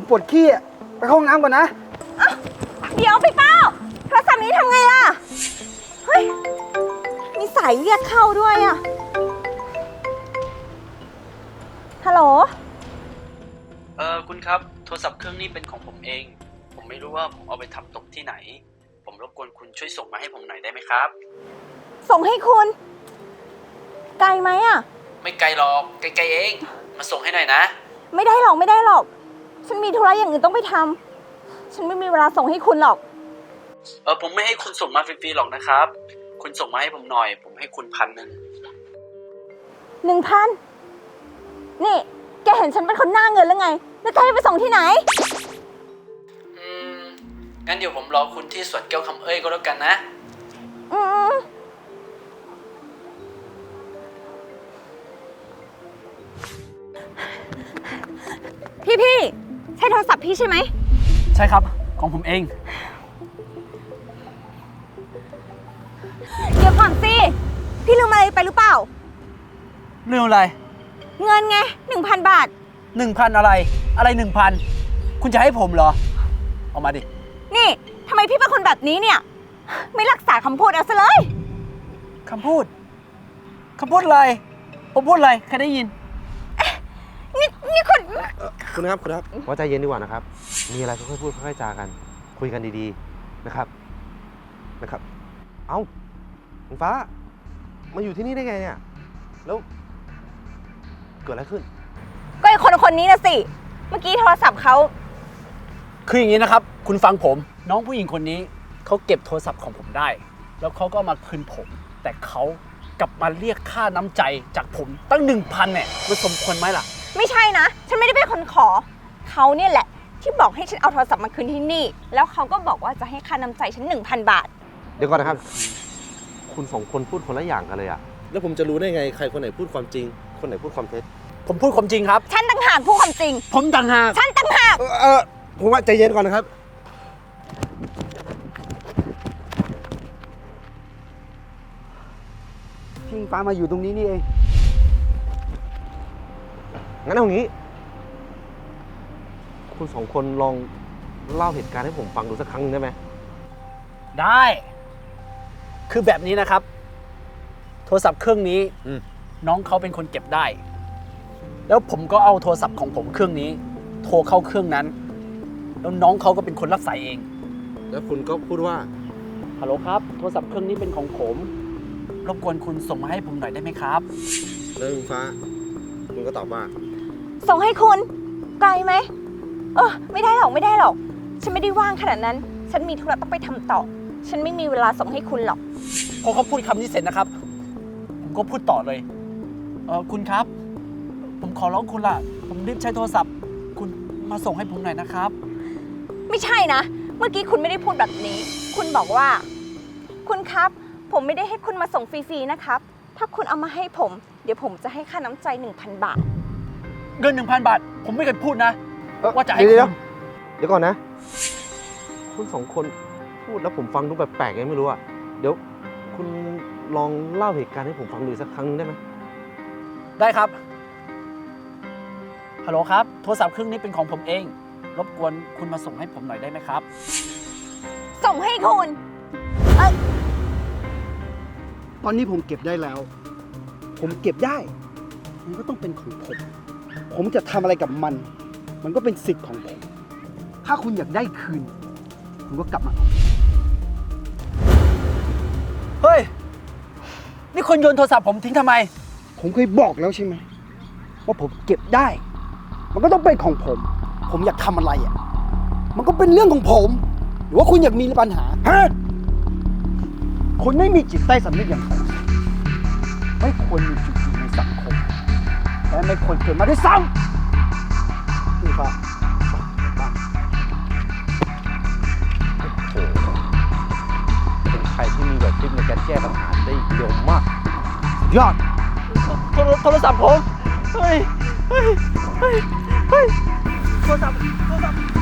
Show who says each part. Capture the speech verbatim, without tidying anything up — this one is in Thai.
Speaker 1: ปวดขี้ไปเข้าห้องน้ำก่อนนะ
Speaker 2: เดี๋ยวพี่เป้าโทรศัพท์นี้ทำไงล่ะเฮ้ยมีสายเรียกเข้าด้วยอะฮัลโหล
Speaker 3: เออคุณครับโทรศัพท์เครื่องนี้เป็นของผมเองผมไม่รู้ว่าผมเอาไปทำตกที่ไหนผมรบกวนคุณช่วยส่งมาให้ผมหน่อยได้ไหมครับ
Speaker 2: ส่งให้คุณไกลไหมอะ
Speaker 3: ไม่ไกลหรอกใกล้ๆเองมาส่งให้หน่อยนะ
Speaker 2: ไม่ได้หรอกไม่ได้หรอกฉันมีธุระอย่างอื่นต้องไปทำฉันไม่มีเวลาส่งให้คุณหรอก
Speaker 3: เออผมไม่ให้คุณส่งมาฟรีๆหรอกนะครับคุณส่งมาให้ผมหน่อยผมให้คุณพันหนึ่ง
Speaker 2: หนึ่งพันนี่แกเห็นฉันเป็นคนหน้าเงินหรือไงแล้วแกจะไปส่งที่ไหน
Speaker 3: อืมงั้นเดี๋ยวผมรอคุณที่สวนแก้วคำเอ้ยก็แล้วกันนะ
Speaker 2: อืมพี่พี่ใช่โทรศัพท์พี่ใช่ไหม
Speaker 3: ใช่ครับของผมเอง
Speaker 2: เดี๋ยวก่อนสิพี่ลืมอะไรไปหรือเปล่า
Speaker 3: เรื่องอะไร
Speaker 2: เงินไงหนึ่งพันบาท
Speaker 3: หนึ่งพันอะไรอะไรหนึ่งพันคุณจะให้ผมเหรอเอามาดิ
Speaker 2: นี่ทำไมพี่เป็นคนแบบนี้เนี่ยไม่รักษาคำพูดเอาซะเลย
Speaker 3: คำพูดคำพูดอะไรผมพูดอะไรใครได้ยิน
Speaker 2: นี่นี่คุณ
Speaker 4: คุณครับคุณครับว่าใจเย็นดีกว่านะครับมีอะไรค่อยๆพูดค่อยๆจากันคุยกันดีๆนะครับนะครับเอ้าคุณฟ้ามาอยู่ที่นี่ได้ไงเนี่ยแล้วเกิดอะไรขึ้น
Speaker 2: ก็ไอ้คนคนนี้นะสิเมื่อกี้โทรศัพท์เขา
Speaker 3: คืออย่างนี้นะครับคุณฟังผมน้องผู้หญิงคนนี้เขาเก็บโทรศัพท์ของผมได้แล้วเขาก็มาคืนผมแต่เขากลับมาเรียกค่าน้ำใจจากผมตั้งหนึ่งพันเนี่ยมันสมควรไหมล่ะ
Speaker 2: ไม่ใช่นะฉันไม่ได้เป็นคนขอเขาเนี่ยแหละที่บอกให้ฉันเอาโทรศัพท์มาคืนที่นี่แล้วเขาก็บอกว่าจะให้ค่าน้ำใจฉัน หนึ่งพัน บาท
Speaker 4: เดี๋ยวก่อนนะครับคุณสองคนพูดคนละอย่างกันเลยอะแล้วผมจะรู้ได้ไงใครคนไหนพูดความจริงคนไหนพูดความเท็จ
Speaker 3: ผมพูดความจริงครับ
Speaker 2: ฉันต่างหากพูดความจริง
Speaker 3: ผมต่างหาก
Speaker 2: ฉันต่างหาก
Speaker 4: เออผมว่าใจเย็นก่อนนะครับ
Speaker 1: พี่ฟ้ามาอยู่ตรงนี้นี่เอง
Speaker 4: งั้นเอางี้คุณสองคนลองเล่าเหตุการณ์ให้ผมฟังดูสักครั้งนึงได้ไหม
Speaker 3: ได้คือแบบนี้นะครับโทรศัพท์เครื่องนี้น้องเขาเป็นคนเก็บได้แล้วผมก็เอาโทรศัพท์ของผมเครื่องนี้โทรเข้าเครื่องนั้นแล้วน้องเขาก็เป็นคนรับสายเอง
Speaker 4: แล้วคุณก็พูดว่า
Speaker 3: ฮัลโหลครับโทรศัพท์เครื่องนี้เป็นของผมรบกวนคุณส่งมาให้ผมหน่อยได้ไหมครับ
Speaker 4: แล้วคุณฟ้าคุณก็ตอบว่า
Speaker 2: ส่งให้คุณไกลไหมเออไม่ได้หรอกไม่ได้หรอกฉันไม่ได้ว่างขนาดนั้นฉันมีธุระต้องไปทำต่อฉันไม่มีเวลาส่งให้คุณหรอก
Speaker 3: พอเขาพูดคำนี้เสร็จนะครับผมก็พูดต่อเลยเออคุณครับผมขอร้องคุณล่ะผมรีบใช้โทรศัพท์คุณมาส่งให้ผมหน่อยนะครับ
Speaker 2: ไม่ใช่นะเมื่อกี้คุณไม่ได้พูดแบบนี้คุณบอกว่าคุณครับผมไม่ได้ให้คุณมาส่งฟรีๆนะครับถ้าคุณเอามาให้ผมเดี๋ยวผมจะให้ค่าน้ำใจ หนึ่งพัน บาท
Speaker 3: เงิน หนึ่งพัน บาทผมไม่เคยพูดนะว่าจะให้
Speaker 4: คุณเดี๋ยวก่อนนะคุณสองคนพูดแล้วผมฟังดูแปลกๆไงไม่รู้อะเดี๋ยวคุณลองเล่าเหตุการณ์ให้ผมฟังดูสักครั้งได้ไหม
Speaker 3: ได้ครับฮัลโหลครับโทรศัพท์เครื่องนี้เป็นของผมเองรบกวนคุณมาส่งให้ผมหน่อยได้ไหมครับ
Speaker 2: ส่งให้คุณ
Speaker 1: ตอนนี้ผมเก็บได้แล้วผมเก็บได้มันก็ต้องเป็นของผมผมจะทำอะไรกับมันมันก็เป็นสิทธิ์ของผมถ้าคุณอยากได้คืนคุณก็กลับมา
Speaker 3: เฮ้ยนี่คุณโยนโทรศัพท์ผมทิ้งทำไม
Speaker 1: ผมเคยบอกแล้วใช่ไหมว่าผมเก็บได้มันก็ต้องเป็นของผมผมอยากทำอะไรอ่ะมันก็เป็นเรื่องของผมหรือว่าคุณอยากมีปัญหาฮะคุณไม่มีจิตใต้สำนึกอย่างผมไม่ควรมีจุดยืนในสังคมและไม่ควรเกิดมาด้วยซ้ำนี่ครับ
Speaker 4: โอ้โหเป็นใครที่มีแบบคิดในการแก้ปัญหาได้เยอะมากยอด
Speaker 3: โทรศัพท์ผมเฮ้ยเฮ้ยเฮ้ยเฮ้ยโทรศัพท์โทรศัพท์